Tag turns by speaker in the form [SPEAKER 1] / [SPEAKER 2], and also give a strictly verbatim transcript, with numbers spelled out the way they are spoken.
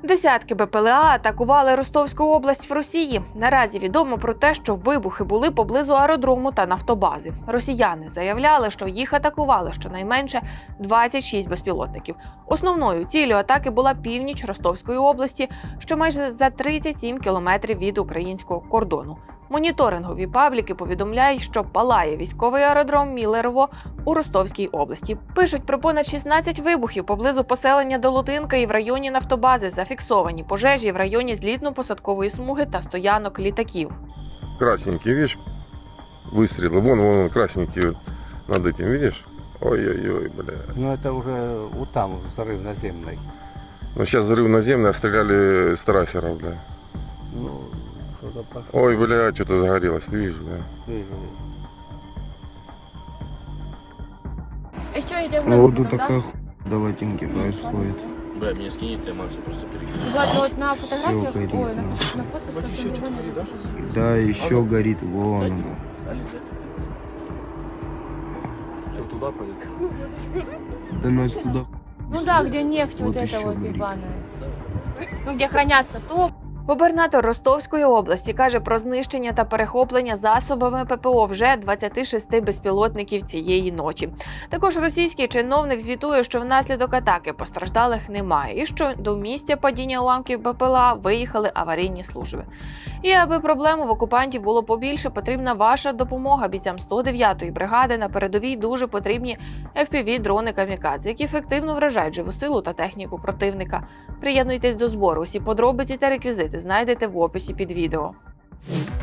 [SPEAKER 1] Десятки Бе Пе Еле А атакували Ростовську область в Росії. Наразі відомо про те, що вибухи були поблизу аеродрому та нафтобази. Росіяни заявляли, що їх атакували щонайменше двадцять шість безпілотників. Основною ціллю атаки була північ Ростовської області, що майже за тридцять сім кілометрів від українського кордону. Моніторингові пабліки повідомляють, що палає військовий аеродром Міллерово у Ростовській області. Пишуть про понад шістнадцять вибухів поблизу поселення Долотинка і в районі нафтобази. Зафіксовані пожежі в районі злітно-посадкової смуги та стоянок літаків.
[SPEAKER 2] Красненький, видишь, выстрелы. Вон, вон, красненький вот над этим, видишь? Ой-ой-ой, бля.
[SPEAKER 3] Ну это уже вот там взрыв наземный.
[SPEAKER 2] Ну сейчас взрыв наземный, а стреляли с трассеров, бля.
[SPEAKER 3] Ну, что-то пошло.
[SPEAKER 2] Ой, бля, что-то загорелось, ты видишь, бля.
[SPEAKER 3] Вижу.
[SPEAKER 4] Еще идем
[SPEAKER 5] Ну,
[SPEAKER 4] на
[SPEAKER 5] вот
[SPEAKER 4] да?
[SPEAKER 5] тут такая хуйня до латинки происходит.
[SPEAKER 6] Бля, меня скинет, я Максу просто перекину.
[SPEAKER 4] Вот, вот на фотографиях,
[SPEAKER 5] горит,
[SPEAKER 4] ой, на,
[SPEAKER 5] ну.
[SPEAKER 4] на фотках совсем не горит.
[SPEAKER 5] Да, еще горит, вон оно.
[SPEAKER 6] Что, туда пойдет?
[SPEAKER 5] Да нас туда.
[SPEAKER 4] Ну да, где нефть вот,
[SPEAKER 5] Вот
[SPEAKER 4] эта
[SPEAKER 5] еще
[SPEAKER 4] вот
[SPEAKER 5] горит.
[SPEAKER 4] ебаная. Ну где хранятся топ.
[SPEAKER 1] Губернатор Ростовської області каже про знищення та перехоплення засобами Пе Пе О вже двадцяти шести безпілотників цієї ночі. Також російський чиновник звітує, що внаслідок атаки постраждалих немає і що до місця падіння уламків Бе Пе Еле А виїхали аварійні служби. І аби проблем в окупантів було побільше, потрібна ваша допомога. Бійцям сто дев'ятої бригади на передовій дуже потрібні Еф Пі Ві-дрони камікадзе, які ефективно вражають живу силу та техніку противника. Приєднуйтесь до збору. Усі подробиці та реквізити знайдете в описі під відео.